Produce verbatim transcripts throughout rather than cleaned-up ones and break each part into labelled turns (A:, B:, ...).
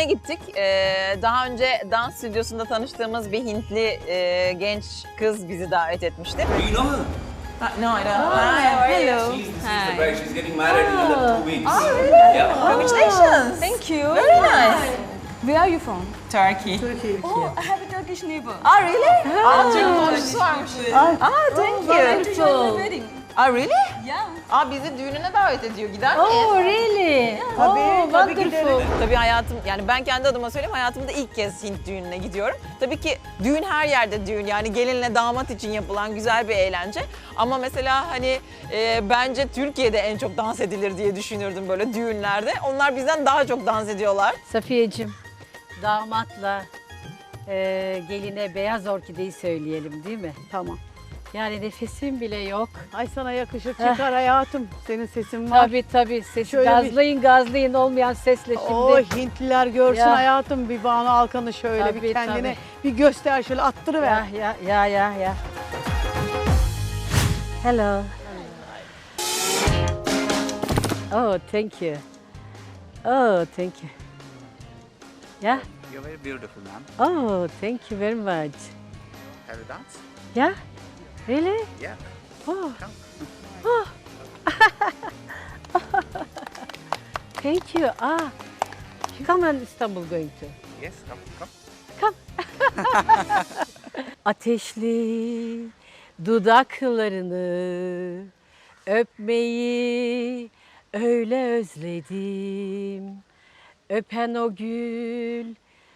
A: gittik. Ee, daha önce dans stüdyosunda tanıştığımız bir Hintli e, genç kız bizi davet etmişti.
B: Do you know her?
A: Uh, no, I don't. Hi, how are you?
B: She's the sister bride. She's getting married in another two weeks.
A: Oh, really?
B: Yeah.
A: Congratulations.
C: Thank you.
A: Very nice.
C: Where are you from?
A: Turkey.
C: Oh, I have a Turkish neighbor.
A: Ah, really? Aa, Türk komşusu varmış. Ah, thank you.
C: To join my wedding.
A: Ah, really?
C: Yeah.
A: Aa, bizi düğününe davet ediyor. Gider miyiz?
D: Oh really?
E: Tabii,
D: oh,
E: tabii
D: wonderful.
A: Tabii hayatım, yani ben kendi adıma söyleyeyim, hayatımda ilk kez Hint düğününe gidiyorum. Tabii ki düğün her yerde düğün, yani gelinle damat için yapılan güzel bir eğlence. Ama mesela hani e, bence Türkiye'de en çok dans edilir diye düşünürdüm böyle düğünlerde. Onlar bizden daha çok dans ediyorlar.
D: Safiyeciğim, damatla e, geline beyaz orkideyi söyleyelim değil mi?
E: Tamam.
D: Yani nefesim bile yok.
E: Ay sana yakışır çıkar hayatım. Senin sesin var.
D: Tabii tabii sesi
E: Şöyle bir-
D: gazlayın gazlayın olmayan sesle şimdi.
E: O Hintliler görsün
D: Ya.
E: hayatım, bir Banu Alkan'ı şöyle
D: Tabii,
E: bir kendine
D: tabii.
E: bir göster, şöyle attırıver.
D: Ya ya ya ya ya. Hello. Oh, thank you. Oh, thank you. Yeah.
F: You're very beautiful, ma'am.
D: Oh, thank you very much.
F: Have a dance?
D: Yeah. Really?
F: Yeah.
D: Oh.
F: Come.
D: Thank you. Ah. Come on, Istanbul going to.
F: Yes, come, come.
D: Ateşli dudaklarını öpmeyi öyle özledim. Öpen o gül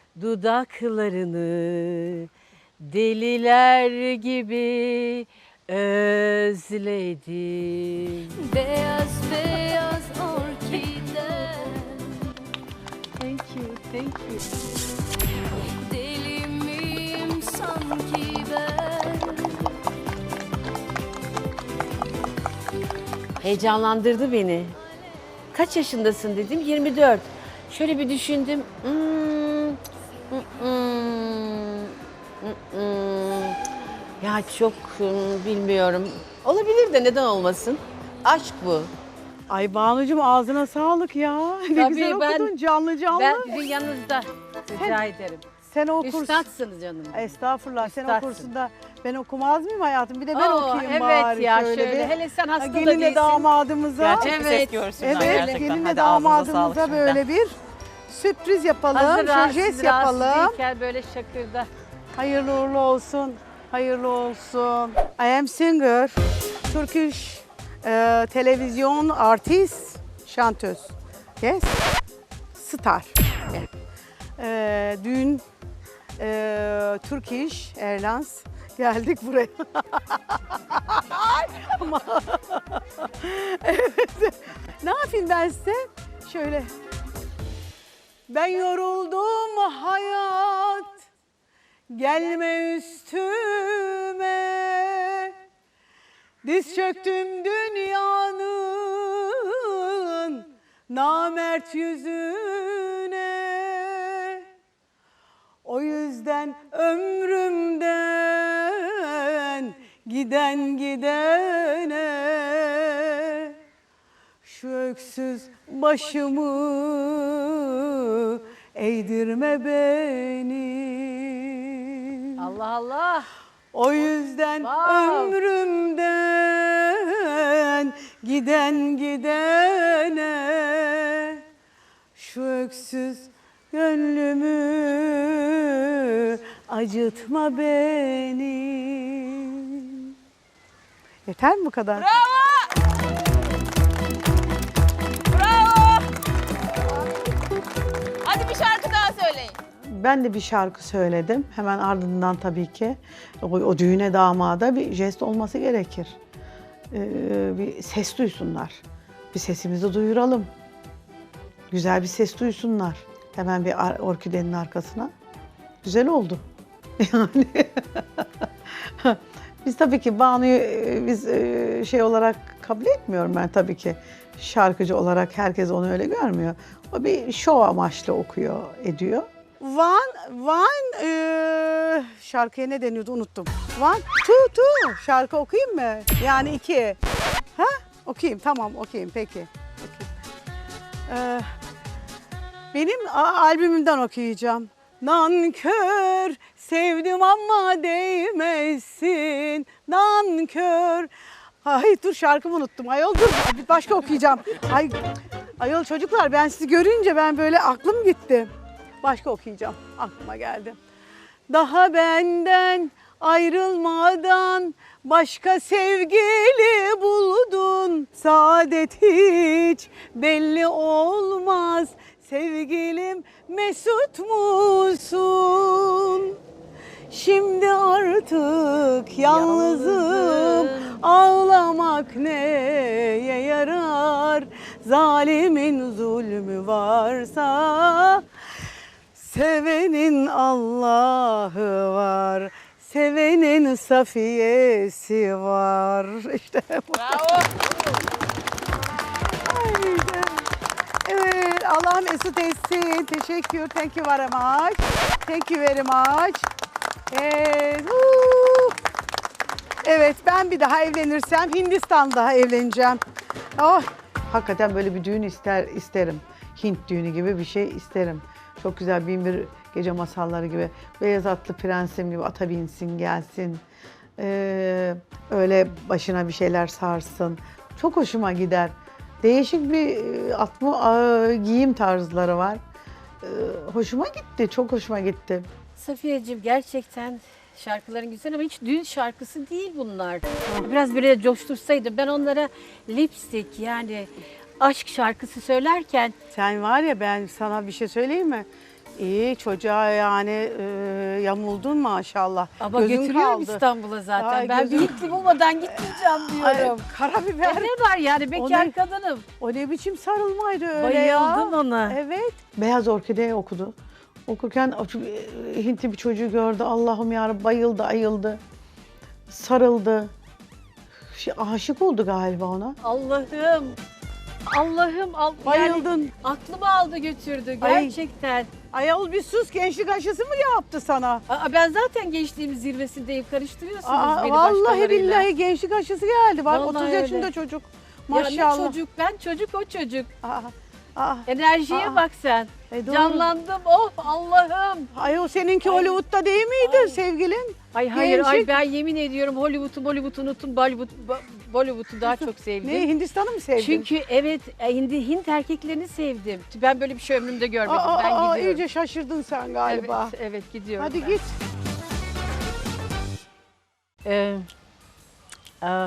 D: dudaklarını deliler gibi özledim.
G: Beyaz beyaz orkide,
D: Thank you, thank you.
G: deli miyim sanki ben?
D: Heyecanlandırdı beni. Kaç yaşındasın dedim, yirmi dört. Şöyle bir düşündüm. Hmm, hmm, hmm, hmm. Ya çok hmm, bilmiyorum. Olabilir de neden olmasın? Aşk bu.
E: Ay Banucuğum, ağzına sağlık ya. Ne
D: Tabii,
E: güzel
D: ben-
E: okudun, canlı canlı.
D: Ben sizin yanınızda rica ederim.
E: Sen okursun.
D: Üstadsınız canım.
E: Estağfurullah, sen
D: Üstadsın.
E: okursun da ben okumaz mıyım hayatım? Bir de ben
D: Oo,
E: okuyayım
D: evet
E: bari
D: ya
E: şöyle,
D: şöyle.
E: bir.
D: Hele sen hasta da
E: Gelinle
D: değilsin.
E: damadımıza.
A: Gerçek bir ses
D: Evet.
A: görsünler
E: Evet,
A: gerçekten.
E: gelinle
A: Hadi ağzınıza sağlık
E: damadımıza
A: şimdiden.
E: böyle bir sürpriz yapalım,
D: Hazır
E: şöyle
D: rahatsız,
E: jest
D: rahatsız
E: yapalım.
D: değilken böyle şakırda.
E: Hayırlı uğurlu olsun, hayırlı olsun. I am singer, Turkish e, televizyon artist, şantöz. Yes, star. Yeah. E, dün e, Turkish Airlines geldik buraya. Ama evet. Ne yapayım ben size? Şöyle. Ben yoruldum hayat, gelme üstüme. Diz çöktüm dünyanın namert yüzüne. O yüzden ömrümden giden gidene şu öksüz başımı eğdirme beni.
D: Allah Allah.
E: O yüzden
D: Wow.
E: ömrümden giden gidene şu öksüz gönlümü acıtma beni. Yeter mi bu kadar?
A: Bravo! Bravo! Hadi bir şarkı daha söyleyin.
E: Ben de bir şarkı söyledim. Hemen ardından tabii ki o, o düğüne damada bir jest olması gerekir. Ee, bir ses duysunlar. Bir sesimizi duyuralım. Güzel bir ses duysunlar. Hemen bir ar- orkidenin arkasına. Güzel oldu. Yani biz tabii ki Banu'yu e, biz e, şey olarak kabul etmiyorum ben tabii ki. Şarkıcı olarak herkes onu öyle görmüyor. O bir şov amaçlı okuyor, ediyor. One, one, e, şarkıya ne deniyordu unuttum. One, two, two. Şarkı okuyayım mı? Yani iki. Ha? Okuyayım, tamam okuyayım peki. Okuyayım. Ee,
H: Benim a- albümümden okuyacağım. Nankör sevdim ama değmezsin. Nankör. Ay dur şarkımı unuttum. Ayol dur bir başka okuyacağım. Ay ayol çocuklar ben sizi görünce ben böyle aklım gitti. Başka okuyacağım. Aklıma geldi. Daha benden ayrılmadan başka sevgili buldun. Saadet hiç belli olmaz. Sevgilim mesut musun? Şimdi artık yalnızım. Ağlamak neye yarar? Zalimin zulmü varsa sevenin Allah'ı var. Sevenin safiyesi var. İşte bu.
A: Bravo.
H: Haydi. Evet, Allah mesut etsin. Teşekkür. Thank you very much. Thank you very much. Evet. huu. Evet, ben bir daha evlenirsem Hindistan'da evleneceğim. Oh.
E: Hakikaten böyle bir düğün ister isterim. Hint düğünü gibi bir şey isterim. Çok güzel bin bir gece masalları gibi. Beyaz atlı prensim gibi ata binsin gelsin. Ee, öyle başına bir şeyler sarsın. Çok hoşuma gider. Değişik bir e, atma, e, giyim tarzları var. Ee, hoşuma gitti, çok hoşuma gitti.
D: Safiyeciğim gerçekten şarkıların güzel ama hiç düğün şarkısı değil bunlar. Biraz böyle coştursaydım ben onlara lipstick yani aşk şarkısı söylerken
H: Sen var ya ben sana bir şey söyleyeyim mi? İyi çocuğa yani e, yamuldun maşallah.
D: ama
H: Gözün
D: götürüyorum
H: kaldı.
D: İstanbul'a zaten.
H: Ay,
D: ben
H: gözüm-
D: bir Hintli bulmadan gitmeyeceğim
H: Ay,
D: diyorum.
H: karabiber.
D: E ne var yani bekar
H: ne-
D: kadınım.
H: O ne biçim sarılmaydı öyle ya.
D: Bayıldım ona.
H: Evet.
E: Beyaz Orkide okudu. Okurken o ço- e, Hintli bir çocuğu gördü. Allah'ım yarabbim bayıldı, ayıldı. Sarıldı. Şey, aşık oldu galiba ona.
D: Allah'ım. Allah'ım al, yani
H: Bayıldın.
D: aklımı aldı götürdü
H: Ay.
D: gerçekten.
H: Ayol bir sus gençlik aşısı mı yaptı sana?
D: Aa, ben zaten gençliğimin zirvesindeyim. Karıştırıyorsunuz
H: Aa,
D: beni
H: vallahi
D: başkalarıyla.
H: billahi gençlik aşısı geldi. Bak
D: Vallahi
H: otuz yaşında
D: öyle.
H: çocuk.
D: Ya ne
H: Maşallah.
D: çocuk ben çocuk o çocuk.
H: Aa, aa.
D: Enerjiye
H: Aa.
D: bak sen.
H: E, doğru.
D: Canlandım oh Allah'ım.
H: Ayol seninki Hollywood'da değil miydi sevgilin?
D: Ay hayır ay
H: Gençlik.
D: ben yemin ediyorum Hollywood'u Bollywood'u unuttum Bollywood, Bo- Bollywood'u daha çok sevdim.
H: Ne Hindistan'ı mı sevdin?
D: Çünkü evet Hindi, Hint erkeklerini sevdim. Ben böyle bir şey ömrümde görmedim.
H: Aa,
D: ben
H: aa,
D: gidiyorum.
H: iyice şaşırdın sen galiba.
D: Evet, evet gidiyorum.
H: Hadi
D: ben.
H: git.
D: Ee, aa.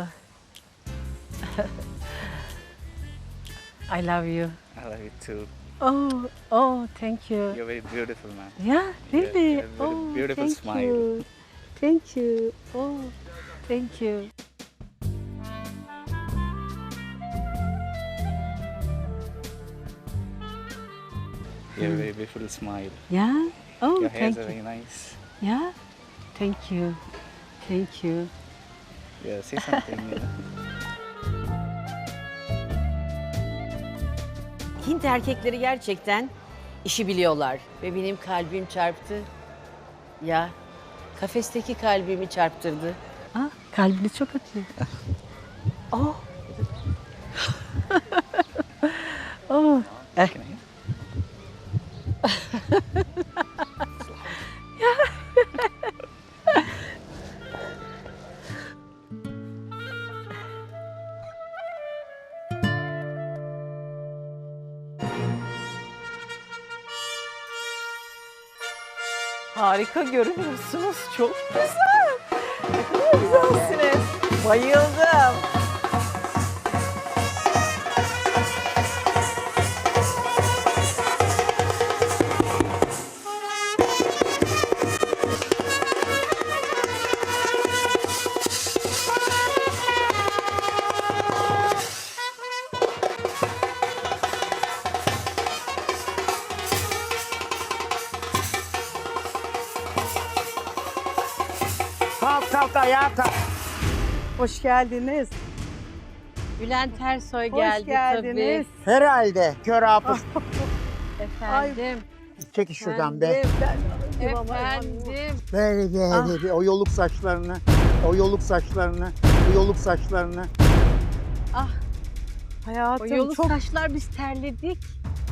D: I love you.
F: I love you too.
D: Oh, oh, thank you.
F: You're very beautiful, man.
D: Yeah, really?
F: you have a
D: oh,
F: beautiful
D: thank
F: smile.
D: you. Thank you. Oh, thank you.
F: You have a very beautiful smile.
D: Yeah. Oh,
F: Your hairs
D: thank
F: are
D: you.
F: very nice.
D: Yeah. Thank you. Thank you.
F: Yeah, say something. you know.
D: Hint erkekleri gerçekten işi biliyorlar ve benim kalbim çarptı. Ya kafesteki kalbimi çarptırdı. Ah, kalbini çok atıyor. oh. oh. Eh.
F: Can I hear?
A: Harika görünüyorsunuz. Çok güzel. Ne kadar güzelsiniz. Bayıldım.
H: Kalk kalk ayağa kalk. Hoş geldiniz.
D: Bülent Ersoy
H: Hoş
D: geldi
H: geldiniz.
I: Herhalde kör hafız.
D: tabii. Efendim.
I: Çekil şuradan be.
H: Efendim. Ben,
D: Efendim.
I: Böyle böyle bir o yoluk saçlarını, o yoluk saçlarını, o yoluk saçlarını.
D: O
H: hayatım
D: yolu
H: çok
D: saçlar biz terledik.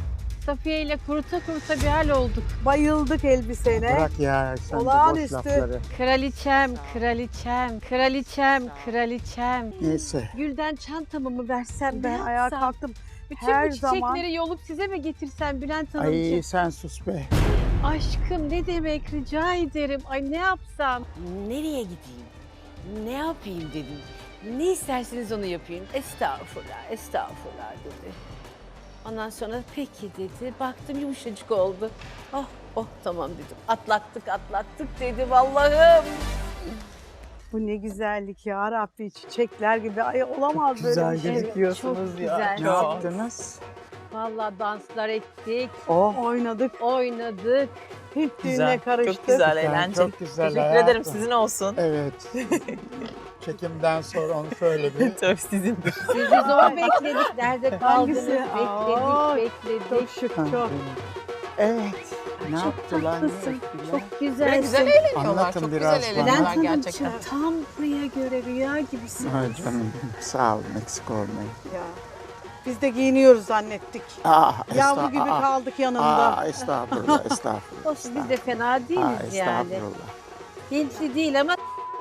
D: Safiye ile kuruta kuruta bir hal olduk.
H: Bayıldık elbisene.
I: Bırak ya sen de boş
H: Olağanüstü.
I: lafları.
D: Kraliçem, kraliçem, kraliçem, kraliçem.
I: Neyse.
D: Gülden çantamı mı versem
H: Ben
D: ne
H: ayağa
D: yapsam?
H: kalktım.
D: Bütün
H: her
D: bu çiçekleri
H: zaman-
D: yolup size mi getirsem Bülent Hanımcığım?
I: Ay sen sus be.
D: Aşkım ne demek rica ederim. Ay ne yapsam? Nereye gideyim? Ne yapayım dedim. Ne isterseniz onu yapayım. Estağfurullah, estağfurullah dedi. Ondan sonra peki dedi. Baktım yumuşacık oldu. Oh, oh tamam dedim. Atlattık, atlattık dedi Allah'ım.
H: Bu ne güzellik ya Rabbi, çiçekler gibi. Ay olamaz böyle
I: Güzel
H: bir şey.
I: gözüküyorsunuz
D: çok
I: ya.
D: güzel.
I: Ne yaptınız?
D: Vallahi danslar ettik,
I: Oh.
H: Oynadık,
D: oynadık.
H: Hint düğüne
A: Güzel,
H: karıştık.
A: çok güzel,
I: Güzel,
A: eğlenceli.
I: çok güzel
A: Teşekkür
I: hayatım.
A: ederim, sizin olsun.
I: Evet. Çekimden sonra onu söyle bir.
A: Tabii sizindir.
D: Sizi zor bekledik. Nerede kaldınız?
H: Hangisi?
D: Bekledik,
H: Aa,
D: bekledik.
H: Çok şık, çok.
I: Evet. Ne
D: Çok
I: yaptılar? ne
D: tatlısın,
I: ettiler?
D: çok güzelsin.
A: Ve güzel eğleniyorlar,
I: Anlatın
A: çok
I: biraz
A: güzel
I: bana.
A: eğleniyorlar
D: Bülent
A: gerçekten.
D: Hanımcığım tam buraya göre rüya gibisin.
I: Ay canım sağ olun eksik olmayın.
H: Ya. Biz de giyiniyoruz zannettik.
I: Ah,
H: Yavru
I: esta-
H: gibi
I: aa,
H: kaldık yanında.
I: Aa, estağfurullah, estağfurullah.
D: Olsun biz de fena
I: Aa,
D: değiliz yani.
I: estağfurullah.
D: Hintli değil ama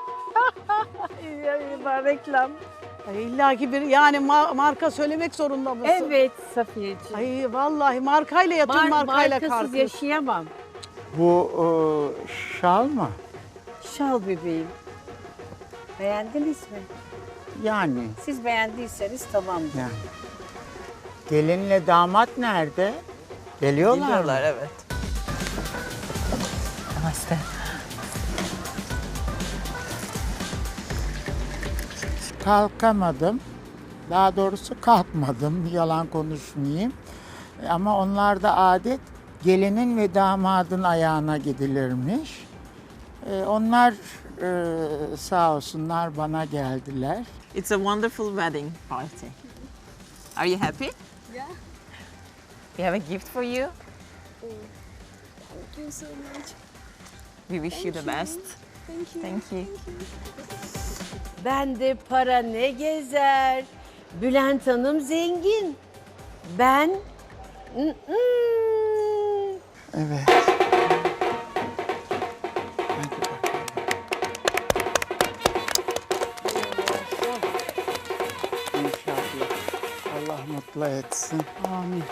D: var reklam.
H: Ay, İlla ki bir yani ma- marka söylemek zorunda mısın?
D: Evet Safiyeciğim.
H: Ay vallahi markayla yatın,
D: Mar-
H: markayla
D: markasız
H: kalkın.
D: yaşayamam.
I: Bu e, şal mı?
D: Şal bebeğim. Beğendiniz mi?
I: Yani,
D: Siz beğendiyseniz tamamdır.
I: yani. Gelinle damat nerede? Geliyorlar,
A: Geliyorlar,
I: mı?
A: evet. Namaste.
I: Kalkamadım. Daha doğrusu kalkmadım. Yalan konuşmayayım. Ama onlarda adet gelinin ve damadın ayağına gidilirmiş. Ee, onlar e, sağ olsunlar bana geldiler.
A: It's a wonderful wedding party. Are you happy?
C: Yeah.
A: We have a gift for you.
C: Thank you so much.
A: We wish you the best.
C: Thank you.
A: Thank you.
D: Bende para ne gezer? Bülent Hanım zengin. Ben... Mm-mm.
I: Evet. Hadi bakalım. İnşallah. Allah mutlu etsin.
H: Amin.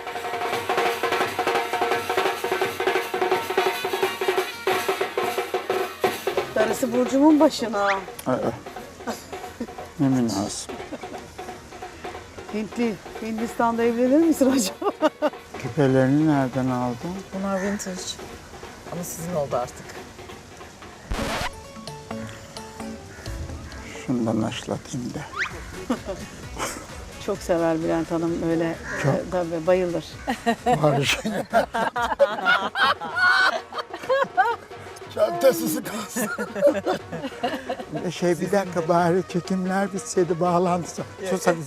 H: Darısı Burcu'mun başına.
I: Aa, ne münasip.
H: Hintli, Hindistan'da evlenir misin acaba?
I: Küpelerini nereden aldın?
A: Bunlar vintage. Ama sizin oldu artık.
I: Şundan aşlatayım da.
H: Çok sever Bülent Hanım öyle. E, tabii bayılır.
I: Barış. Çantasız kalsın. şey bir dakika bari çekimler bitseydi bağlantısı. Sus hadi.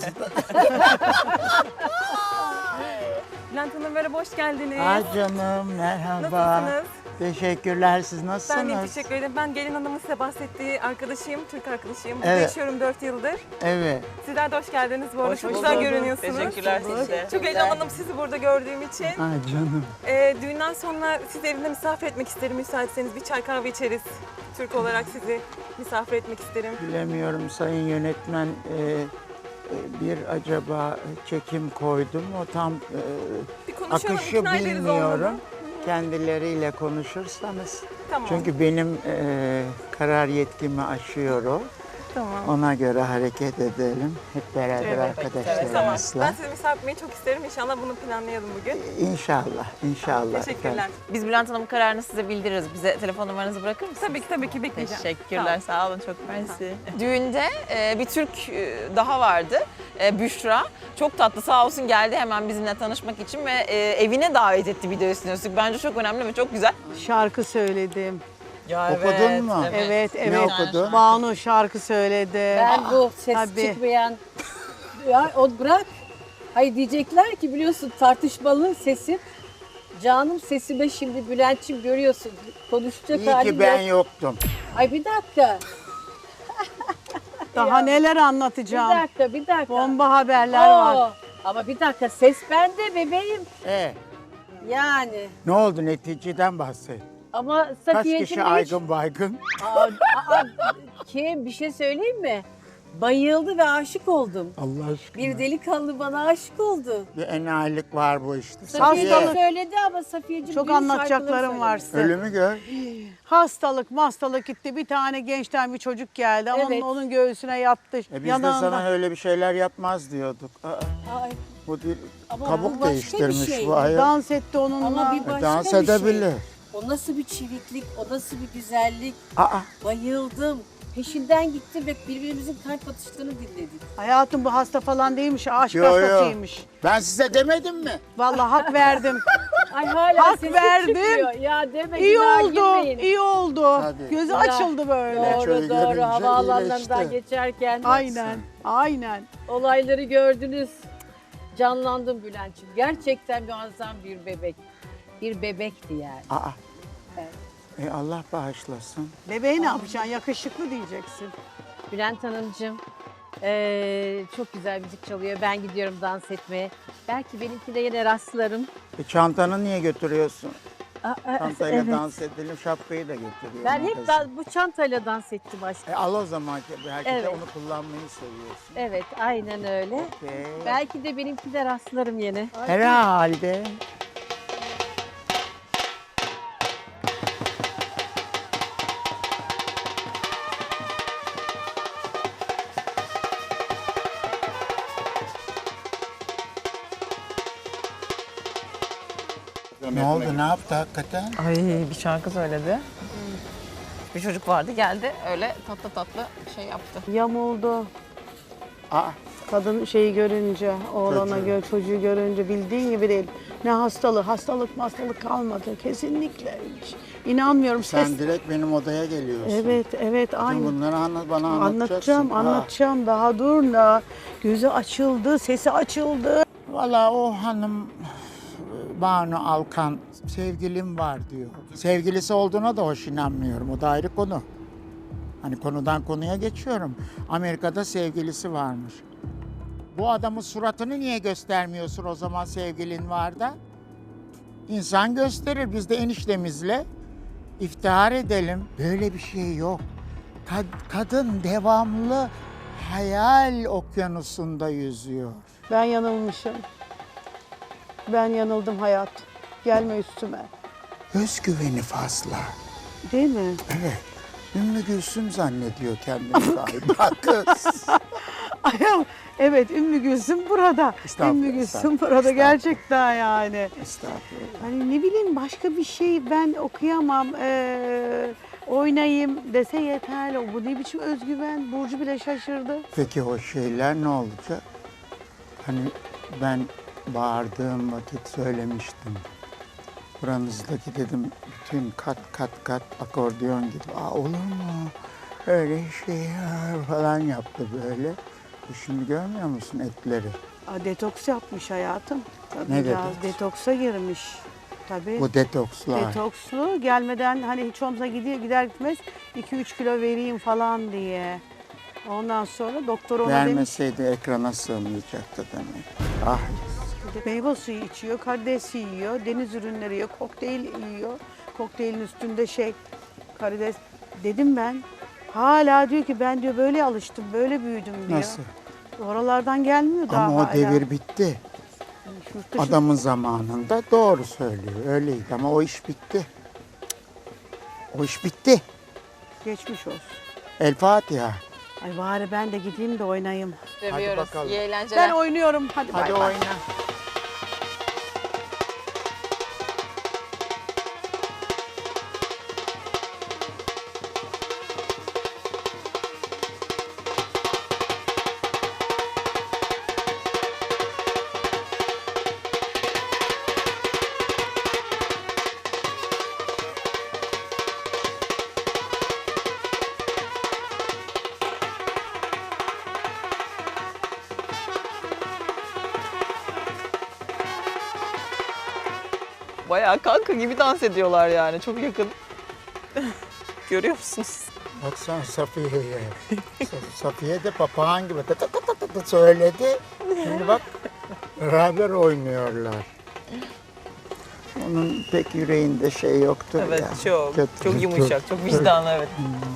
J: Bülent Hanım merhaba, hoş geldiniz.
I: Ay canım merhaba.
J: Nasılsınız?
I: Teşekkürler, siz nasılsınız?
J: Ben de teşekkür ederim. Ben gelin hanımın size bahsettiği arkadaşıyım, Türk arkadaşıyım. Burada
I: Evet.
J: yaşıyorum dört yıldır.
I: Evet.
J: Sizler de hoş geldiniz bu arada.
A: Hoş
J: Çok
A: bulduk.
J: güzel görünüyorsunuz.
A: Teşekkürler size.
J: Çok heyecanlandım sizi burada gördüğüm için.
I: Ay canım.
J: Ee, düğünden sonra sizi evimde misafir etmek isterim. Müsaitseniz bir çay kahve içeriz. Türk olarak sizi misafir etmek isterim.
I: Bilemiyorum sayın yönetmen e, e, bir acaba çekim koydum o tam e,
J: Bir konuşalım,
I: akışı
J: ikna ederiz
I: bilmiyorum.
J: olmadı.
I: Kendileriyle konuşursanız.
J: Tamam.
I: Çünkü benim e, karar yetkimi aşıyor o.
J: Tamam.
I: Ona göre hareket edelim. Hep beraber
J: Tamam.
I: arkadaşlarımızla.
J: Ben sizi misafir etmeyi çok isterim. İnşallah bunu planlayalım bugün.
I: İnşallah, inşallah.
J: Teşekkürler.
A: Biz Bülent Hanım'ın kararını size bildiririz. Bize telefon numaranızı bırakır mısınız?
J: Tabii ki tabii ki bekleyeceğim.
A: Teşekkürler, sağ olun, çok mersi. Düğünde e, bir Türk e, daha vardı, e, Büşra. Çok tatlı, sağ olsun geldi hemen bizimle tanışmak için ve e, evine davet etti bir de üstüne üstlük. Bence çok önemli ve çok güzel.
H: Şarkı söyledim.
A: Ya
I: Okudun mu?
H: Evet, evet.
I: Ne okudun?
H: Banu şarkı söyledi.
D: Ben bu ses
H: tabii.
D: çıkmayan... Ya o bırak. Hayır diyecekler ki biliyorsun tartışmalı sesim. Canım sesime şimdi Bülent'ciğim görüyorsun. Konuşacak
I: İyi
D: halim
I: ki ben
D: yok.
I: yoktum.
D: Ay bir dakika.
H: Daha neler
D: Bir
H: anlatacağım.
D: dakika bir dakika.
H: Bomba haberler
D: Oo,
H: var.
D: Ama bir dakika ses bende bebeğim.
I: E,
D: Yani.
I: Ne oldu, neticeden bahset.
D: Ama
I: Kaç
D: Safiye'cim
I: kişi
D: hiç-
I: aygın baygın?
D: Aa, aa, Kim bir şey söyleyeyim mi? Bayıldı ve aşık oldum.
I: Allah aşkına.
D: Bir delikanlı bana aşık oldu.
I: Bir enayilik var bu işte.
D: Safiye
H: Hastalık.
D: söyledi ama Safiye'cim
H: Çok
D: dün
H: anlatacaklarım
D: şarkıları
H: var
D: söyledi.
H: size.
I: Ölümü gör.
H: Hastalık, mastalık gitti. Bir tane gençten bir çocuk geldi. Onun,
D: Evet.
H: onun göğsüne yattı.
I: E biz de
H: yanağından.
I: sana öyle bir şeyler yapmaz diyorduk. Aa,
D: Ay,
I: bu değil,
D: Ama bu
I: kabuk
D: başka bir
I: değiştirmiş
D: şey.
I: bu ayol.
H: Dans etti onunla.
D: ama bir
I: E,
D: başka
I: dans
D: bir şey.
I: edebilir.
D: O nasıl bir çeviklik, o nasıl bir güzellik.
I: Aa,
D: Bayıldım. Peşinden gittim ve birbirimizin kalp atışlarını dinledik.
H: Hayatım bu hasta falan değilmiş. Aşk
I: yo yo.
H: hastasıymış.
I: Ben size demedim mi?
H: Vallahi hak verdim.
D: Ay hala
H: Hak
D: sesim
H: verdim.
D: çıkmıyor. Ya deme
H: İyi
D: günaha
H: oldu.
D: girmeyin.
H: İyi oldu.
I: Tabii.
H: Gözü
D: Ya,
H: açıldı böyle.
I: Şöyle
D: Doğru doğru
I: görünce
D: havaalanlarından
I: iyileşti.
D: geçerken
H: Aynen. Aynen.
D: olayları gördünüz. Canlandım Bülent'ciğim. Gerçekten muazzam bir bebek. Bir bebekti yani.
I: Aa.
D: Evet.
I: E Allah bağışlasın.
H: Bebeği ne yapacaksın? Yakışıklı diyeceksin.
D: Bülent Hanımcığım eee, çok güzel müzik çalıyor. Ben gidiyorum dans etmeye. Belki benimki de yine rastlarım.
I: E çantanı niye götürüyorsun?
D: Aa, aa,
I: Çantayla
D: evet.
I: dans edelim, şapkayı da getiriyorum.
D: Ben hep da, bu çantayla dans ettim aşkım.
I: E al o zaman, belki de
D: Evet.
I: onu kullanmayı seviyorsun.
D: Evet aynen öyle.
I: Okey.
D: Belki de benimki de rastlarım yine.
I: Herhalde. Ne oldu, ne yaptı hakikaten?
A: Ay bir şarkı söyledi. Bir çocuk vardı geldi öyle tatlı tatlı şey yaptı.
H: Yamuldu.
I: Aa,
H: Kadın şeyi görünce, oğlana
I: Çocuğu.
H: gö çocuğu görünce bildiğin gibi değil. Ne hastalığı, hastalık hastalık kalmadı. Kesinlikle hiç. İnanmıyorum.
I: sen
H: Ses...
I: direkt benim odaya geliyorsun.
H: Evet, evet,
I: Bütün
H: aynı.
I: bunları anlat, bana anlatacaksın.
H: Anlatacağım,
I: Ha.
H: anlatacağım. Daha dur da. Gözü açıldı, sesi açıldı.
I: Valla o hanım Banu Alkan sevgilim var diyor. Sevgilisi olduğuna da hoş inanmıyorum. O da ayrı konu. Hani konudan konuya geçiyorum. Amerika'da sevgilisi varmış. Bu adamın suratını niye göstermiyorsun o zaman sevgilin var da? İnsan gösterir. Biz de eniştemizle iftihar edelim. Böyle bir şey yok. Kad- kadın devamlı hayal okyanusunda yüzüyor.
H: Ben yanılmışım. Ben yanıldım hayat. Gelme üstüme.
I: Özgüveni fazla.
H: Değil mi?
I: Evet. Ümmü Gülsüm zannediyor kendini galiba kız.
H: Ayam. Evet, Ümmü Gülsüm burada.
I: Estağfurullah,
H: Ümmü Gülsüm
I: estağfurullah,
H: burada
I: estağfurullah.
H: gerçekten yani.
I: Estağfurullah.
H: Hani ne bileyim başka bir şey ben okuyamam. Ee, oynayayım dese yeterli. Bu ne biçim özgüven? Burcu bile şaşırdı.
I: Peki o şeyler ne olacak? Hani ben bağırdığım vakit söylemiştim. Buranızdaki dedim bütün kat kat kat akordeon gibi. Aa olur mu? Öyle şey falan yaptı böyle. E şimdi görmüyor musun etleri?
H: Aa, detoks yapmış hayatım. Tabii
I: Ne
H: biraz
I: detoks?
H: detoksa girmiş. Tabii.
I: Bu detokslar.
H: Detokslu gelmeden hani hiç olmazsa gidiyor gider gitmez iki üç kilo vereyim falan diye. Ondan sonra doktor ona demiş
I: Vermeseydi ekrana sığmayacaktı demek. Ah
H: meyve suyu içiyor, karides yiyor, deniz ürünleri yiyor, kokteyl yiyor. Kokteylin üstünde şey karides. Dedim ben hala diyor ki ben diyor böyle alıştım, böyle büyüdüm diyor.
I: nasıl?
H: Oralardan gelmiyor daha
I: Ama o
H: hala.
I: devir bitti.
H: Yurt dışı-
I: Adamın zamanında doğru söylüyor. Öyleydi ama o iş bitti. O iş bitti.
H: Geçmiş olsun.
I: El Fatiha.
H: Ay bari ben de gideyim de oynayayım.
A: Seviyoruz.
I: bakalım.
A: İyi eğlenceler.
H: Ben oynuyorum. Hadi,
I: Hadi
H: bay bay.
I: oyna.
A: Bayağı kanka gibi dans ediyorlar yani çok yakın. Görüyor musunuz?
I: Baksana Safiye'ye. Sa- Safiye de papağan gibi tı tı tı tı tı tı söyledi. Şimdi bak beraber oynuyorlar. onun pek yüreğinde şey yoktur
A: Evet
I: ya.
A: çok.
I: Kötü,
A: Çok yumuşak, çok vicdanlı evet.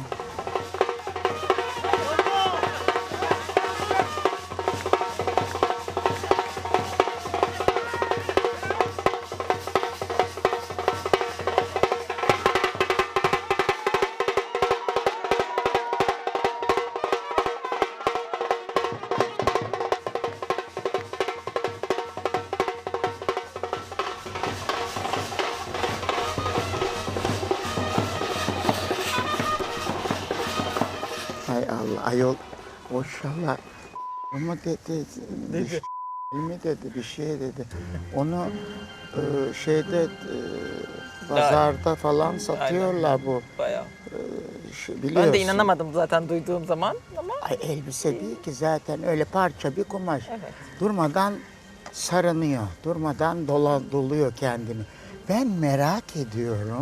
I: Hay Allah ayol maşallah ama dedi, dedi. mi dedi bir şey dedi. Onu e, şeyde e, pazarda falan satıyorlar bu.
A: Bayağı.
I: E, şey, biliyorsun.
A: Ben de inanamadım zaten duyduğum zaman ama.
I: Ay elbise değil ki zaten öyle parça bir kumaş.
A: Evet.
I: Durmadan sarınıyor, durmadan dola, doluyor kendini. Ben merak ediyorum.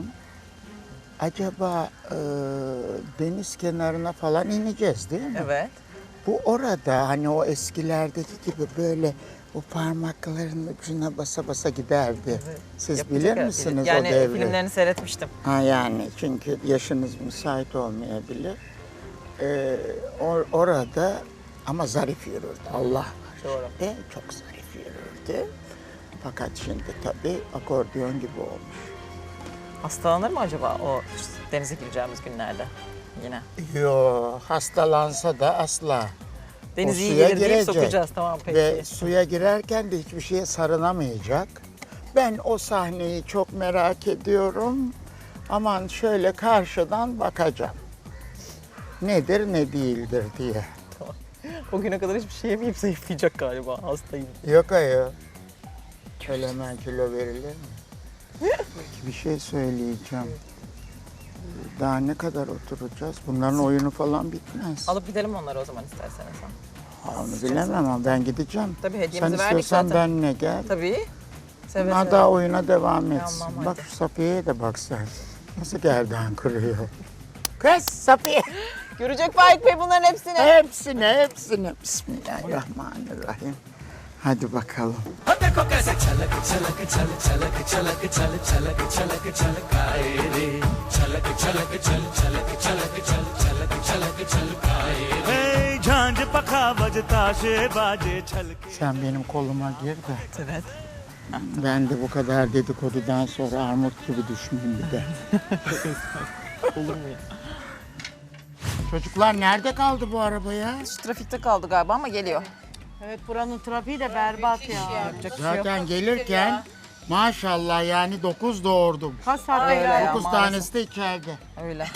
I: Acaba e, deniz kenarına falan ineceğiz değil mi?
A: Evet.
I: Bu orada hani o eskilerdeki gibi böyle o parmaklarının ucuna basa basa giderdi. Siz
A: Yapacak
I: bilir
A: herhalde.
I: misiniz
A: yani
I: o devri?
A: filmlerini seyretmiştim.
I: Ha yani çünkü yaşınız müsait olmayabilir. Ee, or- orada ama zarif yürürdü Allah var.
A: Doğru.
I: E, çok zarif yürürdü. Fakat şimdi tabii akordeon gibi olmuş.
A: Hastalanır mı acaba o denize gireceğimiz günlerde yine?
I: Yo hastalansa da asla.
A: Deniz
I: O
A: iyi
I: suya
A: gelir deyip
I: girecek.
A: sokacağız tamam peki.
I: Ve suya girerken de hiçbir şeye sarınamayacak. Ben o sahneyi çok merak ediyorum. Aman şöyle karşıdan bakacağım. Nedir ne değildir diye.
A: O güne kadar hiçbir şey yemeyip zayıflayacak galiba hastayım.
I: Yok ayol. Öyle hemen kilo verilir mi? Bir şey söyleyeceğim. Daha ne kadar oturacağız? Bunların oyunu falan bitmez.
A: Alıp gidelim onları o zaman isterseniz. Ha.
I: Ha, onu bilemem ama ben gideceğim.
A: Tabii
I: Sen
A: hediyemizi verdik
I: istiyorsan
A: zaten.
I: benimle gel.
A: Tabii. Seve
I: Bunlar
A: seve.
I: daha oyuna devam etsin.
A: Tamam,
I: Bak
A: hadi.
I: şu Safiye'ye de bak sen. Nasıl gerdan kırıyor. Kız Safiye.
A: Görecek Faik Bey bunların hepsini.
I: Hepsine, hepsine. Bismillahirrahmanirrahim. Hadi bakalım. Sen benim koluma gir de.
A: Evet.
I: Ben de bu kadar dedikodudan sonra armut gibi düşmeyeyim bir de.
A: Olur mu ya?
I: Çocuklar nerede kaldı bu araba ya?
A: Şu trafikte kaldı galiba ama geliyor.
E: Evet buranın trafiği de berbat ya.
A: Yapacak bir şey yok.
I: Zaten gelirken maşallah yani dokuz doğurdum.
E: Kaç saatte
A: Öyle
E: geldiniz?
A: ya.
I: Dokuz
A: maalesef.
I: tanesi de içeride.
A: Öyle.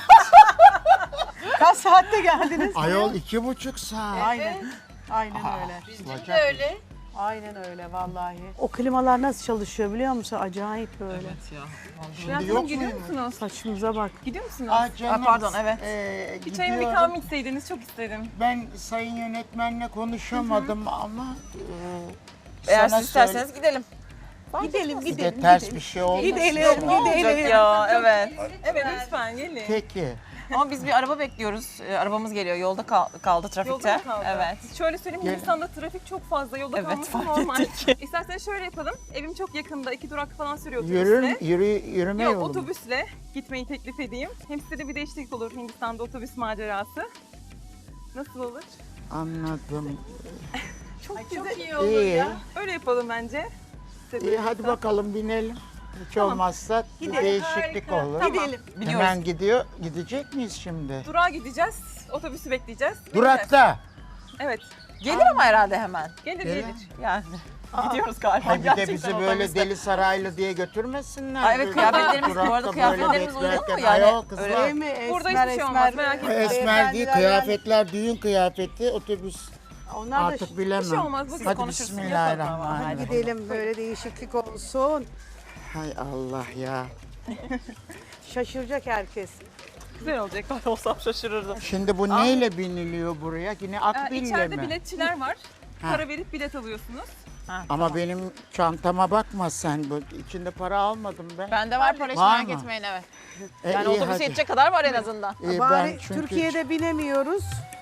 E: Kaç saatte geldiniz?
I: Ayol iki buçuk saat.
E: Aynen. Aynen öyle.
I: Bizim de öyle.
E: Aynen öyle vallahi. O klimalar nasıl çalışıyor biliyor musun? Acayip böyle.
A: Evet ya.
I: Şimdi yok
J: Gidiyor
I: mu?
J: musunuz?
E: Saçımıza bak.
J: Gidiyor musunuz?
I: Aa, canım,
A: Aa, pardon, evet.
I: e,
J: Bir çayımı bir
I: gidiyorum.
J: kahve içseydiniz çok isterim.
I: Ben sayın yönetmenle konuşamadım ama e,
A: Eğer
I: sana
A: siz isterseniz gidelim.
E: Gidelim
I: söyle-
E: gidelim.
I: Bir de ters bir şey olmasın.
E: Gidelim
A: Ne olacak ya? Evet.
J: Evet lütfen gelin.
I: Peki.
A: Ama biz bir araba bekliyoruz. Ee, arabamız geliyor. Yolda kal- kaldı trafikte.
J: Yolda mı kaldı?
A: Evet.
J: Şöyle söyleyeyim,
I: Gel.
J: Hindistan'da trafik çok fazla, yolda
A: Evet,
J: kalması
A: fark
J: normal.
A: ettik.
J: İsterseniz şöyle yapalım, evim çok yakında, iki durak falan sürüyor
I: Yürür,
J: otobüsle.
I: yürü, yürüme
J: Yok,
I: yolu mu?
J: otobüsle gitmeyi teklif edeyim. Hem size de bir değişiklik olur Hindistan'da otobüs macerası. Nasıl olur?
I: Anladım.
J: Çok güzel.
I: İyi.
J: Öyle yapalım bence. Size
I: İyi
J: de-
I: hadi bakalım binelim. Hiç olmazsa bir değişiklik
J: Harika.
I: olur.
J: Tamam.
E: Gidelim.
A: Biliyoruz.
I: Hemen gidiyor. Gidecek miyiz şimdi?
J: Durağa gideceğiz, otobüsü bekleyeceğiz.
I: Durakta.
J: Evet,
A: Gelir ama herhalde hemen.
J: gelir
I: Gelir.
J: gelir.
A: Yani. Gidiyoruz galiba.
I: Hay bir de
A: gerçekten
I: bizi
A: otobüste.
I: böyle deli saraylı diye götürmesinler.
A: Ay evet,
I: Böyle
A: kıyafetlerimiz- bu arada
I: durakta
A: kıyafetlerimiz
I: böyle
A: uygun mu?
I: beklerken,
A: Yani
I: ayol kızlar.
A: öyle-
E: Değil mi? Esmer,
J: Burada hiçbir şey olmaz, merak etmeyin.
I: Esmer değil,
E: Beyefendiler
I: kıyafetler düğün kıyafeti, otobüs
E: Onlar da
I: artık bilemem.
J: Bir şey olmaz, bu siz
I: Hadi
A: konuşursunuz.
I: bismillahirrahmanirrahim.
E: gidelim böyle değişiklik olsun.
I: Hay Allah ya.
E: Şaşıracak herkes.
J: Güzel olacak.
A: Ben olsam şaşırırdım.
I: Şimdi bu neyle biniliyor buraya? Yine
J: Ee,
I: akbille
J: içeride
I: mi?
J: biletçiler var.
I: Ha.
J: Para verip bilet alıyorsunuz.
I: Ama benim çantama bakma sen. Bu içinde para almadım ben.
A: Bende var para hiç
I: Var
A: merak
I: mı?
A: etmeyin evet.
I: E,
A: Yani
I: iyi,
A: otobüse
I: hadi.
A: yetecek kadar var en azından.
I: İyi, ben
E: Bari
I: çünkü
E: Türkiye'de binemiyoruz.